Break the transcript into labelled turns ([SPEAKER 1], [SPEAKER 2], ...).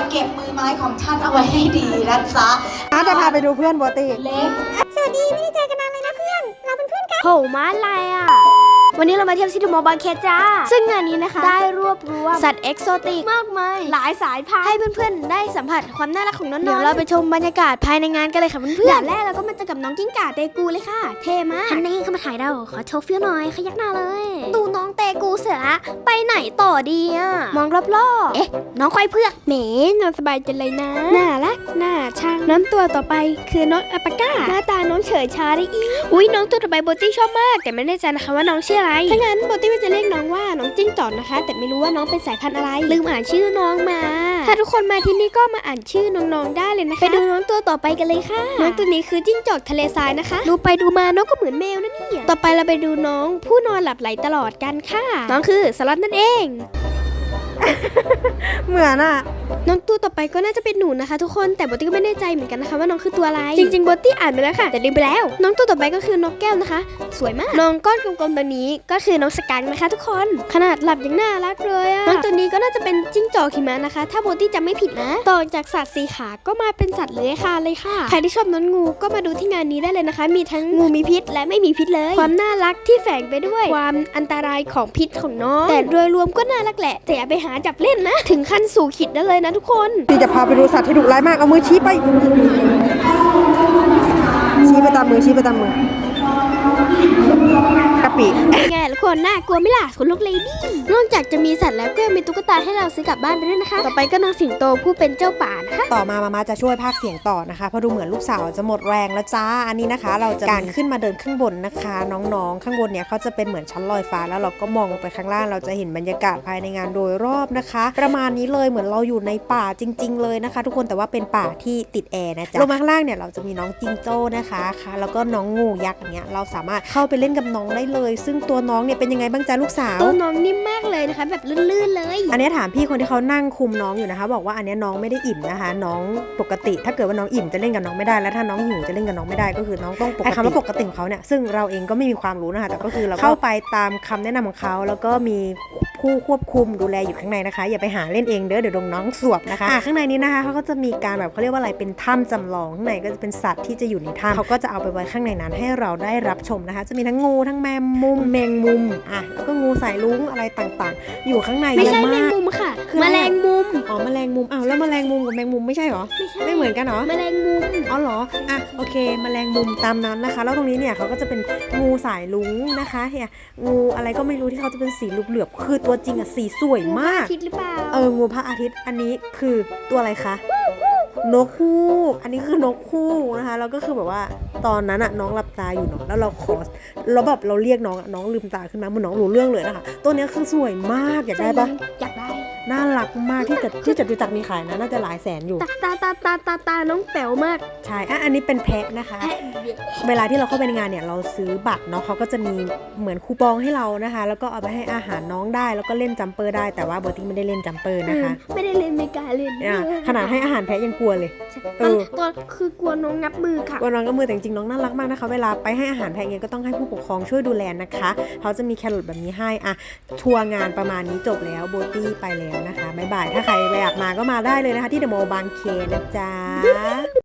[SPEAKER 1] เก็บมือไม้ของท่านเอาไว้ให้ดีนะจ๊ะ
[SPEAKER 2] จะพาไปดูเพื่อนโบตี้
[SPEAKER 1] เล็ก
[SPEAKER 3] สวัสดีไม่ได้เจอกันนานเลยนะเพื่อน เราเป็นเพื่อนกัน
[SPEAKER 4] โหมาอะไรอ่ะวันนี้เรามาเที่ยวซิตี้มอลล์บางแคจ้าซึ่งงานนี้นะคะได้รวบรวมสัตว์เอกโซติกมากมายหลายสายพันธุ์ให้เพื่อนๆได้สัมผัสความน่ารักของน้องๆเดี๋ยวเราไปชมบรรยากาศภายในงานกันเลยค่ะเพื่อนๆอย่างแรกเราก็มาเจอกับน้องกิ้งก่าเตกูเลยค่ะเท่มากฮันนี่เข้ามาถ่ายเราขอโชว์เฟี้ยวหน่อยขยักหน้าเลยดูน้องเตกูเสร็จละไปไหนต่อดีอ่ะมองรอบๆเอ๊ะน้องควายเผือกเหมนอนสบายจังเลยนะน่ารักน่าช่างน้องตัวต่อไปคือน้องอัปปาก้าหน้าตาน้องเฉยชาได้อีอุ้ยน้องตัวต่อไปโบตี้ชอบมากแต่ไม่แน่ใจนะคะว่าน้องชื่ออะไรถ้างั้นโบตี้ว่าจะเรียกน้องว่าน้องจิ้งจอกนะคะแต่ไม่รู้ว่าน้องเป็นสายพันธุ์อะไรลืมอ่านชื่อน้องมาถ้าทุกคนมาที่นี่ก็มาอ่านชื่อน้องๆได้เลยนะคะไปดูน้องตัวต่อไปกันเลยค่ะน้องตัวนี้คือจิ้งจอกทะเลทรายนะคะดูไปดูมาน้องก็เหมือนแมวนะเนี่ยต่อไปเราไปดูน้องผู้นอนหลับไหลตลอดกันค่ะน้องคือสล็อตนั่นเอง
[SPEAKER 2] เหมือนอ่ะ
[SPEAKER 4] น้องตัวต่อไปก็น่าจะเป็นหนูนะคะทุกคนแต่โบตี้ก็ไม่แน่ใจเหมือนกันนะคะว่าน้องคือตัวอะไรจริงๆโบตี้อ่านไปแล้วค่ะแต่ลืมไปแล้วน้องตัวต่อไปก็คือนกแก้วนะคะสวยมากน้องก้อนกลมๆตัวนี้ก็คือน้องสกังนะคะทุกคนขนาดหลับยังน่ารักเลยอะน้องตัวนี้ก็น่าจะเป็นจิ้งจอกหิมะนะคะถ้าโบตี้จำไม่ผิดนะต่อจากสัตว์สีขาก็มาเป็นสัตว์เลื้อยคลานเลยค่ะใครที่ชอบน้องงูก็มาดูที่งานนี้ได้เลยนะคะมีทั้งงูมีพิษและไม่มีพิษเลยความน่ารักที่แฝงไปด้วยความอันตรายของพิษของน้องแต่โดยรวมก็น่ารักแหละแต่อย่าไปหาจับเล่นนะถึงขั้นสู่ขิดได้เลยนะทุกคน
[SPEAKER 2] ที่จะพาไปดูสัตว์ที่ดุร้ายมากเอามือชี้ไปตามมือกะปิ
[SPEAKER 4] ไงทุกคนน่ากลัวไหมล่ะขนลุกเลยดินอกจากจะมีสัตว์แล้วก็มีตุ๊กตาให้เราซื้อกลับบ้านไปด้วยนะคะต่อไปก็น้องสิงโตผู้เป็นเจ้าป่านะคะ
[SPEAKER 2] ต่อมามาจะช่วยพากย์เสียงต่อนะคะเพราะดูเหมือนลูกสาวจะหมดแรงแล้วจ้าอันนี้นะคะเราจะการขึ้นมาเดินข้างบนนะคะน้องๆข้างบนเนี่ยเขาจะเป็นเหมือนชั้นลอยฟ้าแล้วเราก็มองลงไปข้างล่างเราจะเห็นบรรยากาศภายในงานโดยรอบนะคะประมาณนี้เลยเหมือนเราอยู่ในป่าจริงๆเลยนะคะทุกคนแต่ว่าเป็นป่าที่ติดแอร์นะจ๊ะลงมาข้างล่างเนี่ยเราจะมีน้องจิงโจ้นะคะแล้วก็น้องงูยักษ์อย่างเงี้ยเราสามารถเข้าไปเล่นกับน้องได้เลยซึ่งตัวน้องเนี่ยเป็นยังไงบ้างจ๊ะลูกสาว
[SPEAKER 4] ตัวน้องนิ่มมากเลยนะคะแบบลื่นๆเลย
[SPEAKER 2] อันนี้ถามพี่คนที่เขานั่งคุมน้องอยู่นะคะบอกว่าอันนี้น้องไม่ได้อิ่มนะคะน้องปกติถ้าเกิดว่าน้องอิ่มจะเล่นกับน้องไม่ได้แล้วถ้าน้องหิวจะเล่นกับน้องไม่ได้ก็คือน้องต้องปกติคำว่าปกติของเขาเนี่ยซึ่งเราเองก็ไม่มีความรู้นะคะแต่ก็คือเราเข้าไปตามคำแนะนำของเขาแล้วก็มีผู้ควบคุมดูแลอยู่ข้างในนะคะอย่าไปหาเล่นเองเด้อเดี๋ยวโดนน้องสวบนะคะข้างในนี้นะคะเขาก็จะมีการแบบเขาเรียกว่าอะไรเป็นถ้ำจำลองข้างในก็จะเป็นสัตว์ที่จะอยู่ในถ้ำเขาก็จะเอาไปไว้ข้างในนั้นให้เราได้รับชมนะคะจะมีทั้งงูทั้งแมงมุมแล้วก็งูสายลุ้งอะไรต่างๆอยู่ข้างใน
[SPEAKER 4] ไม่ใช่แมงมุมค่ะแมลงมุม
[SPEAKER 2] อ๋อแมลงมุมแล้วแมลงมุมกับแมงมุมไม่ใช่หรอไม่เหมือนกันหรอ
[SPEAKER 4] แมลงมุม
[SPEAKER 2] อ๋อเหรอโอเคแมลงมุมตามนั้นนะคะแล้วตรงนี้เนี่ยเขาก็จะเป็นงูสายลุ้งนะคะเนี่ยงูอะไรก็ไม่รู้ที่เขาจะเป็นสีเหลือบๆคือตัวจริงอะสีสวยมาก
[SPEAKER 4] อาทิตย์หรือเปล่า
[SPEAKER 2] งูพระอาทิตย์อันนี้คือตัวอะไรคะนกฮูกอันนี้คือนกฮูกนะคะแล้วก็คือแบบว่าตอนนั้นอะน้องหลับตาอยู่เนาะแล้วเราแบบเราเรียกน้องลืมตาขึ้นมาเหมือนน้องรู้เรื่องเลยนะคะตัวนี้คือสวยมากอยากได้ปะ
[SPEAKER 4] อยากได้
[SPEAKER 2] น่ารักมากที่จะดูจากมีขายนะน่าจะหลายแสนอยู่
[SPEAKER 4] ตาน้องแป๋วมาก
[SPEAKER 2] ใช่อันนี้เป็นแพะนะคะเวลาที่เราเข้าไปในงานเนี่ยเราซื้อบัตรเนาะเขาก็จะมีเหมือนคูปองให้เรานะคะแล้วก็เอาไปให้อาหารน้องได้แล้วก็เล่นจัมเปอร์ได้แต่ว่าโบตี้ไม่ได้เล่นจัมเปอร์นะคะ
[SPEAKER 4] ไม่ได้เล่นไม่กล้าเล่น
[SPEAKER 2] ขนาดให้อาหารแพะยังกลัวเลย
[SPEAKER 4] ตัวคือกลัวน้องงับมือค่ะ
[SPEAKER 2] กลัวน้องงับมือแต่จริงๆน้องน่ารักมากนะคะเวลาไปให้อาหารแพะเนี่ยก็ต้องให้ผู้ปกครองช่วยดูแลนะคะเขาจะมีแครอทแบบนี้ให้ทัวร์งานประมาณนี้จบแล้วโบตี้ไปแล้วนะคะบ๊ายบายถ้าใครอยากมาก็มาได้เลยนะคะที่เดอะมอลล์บางเขนนะจ๊ะ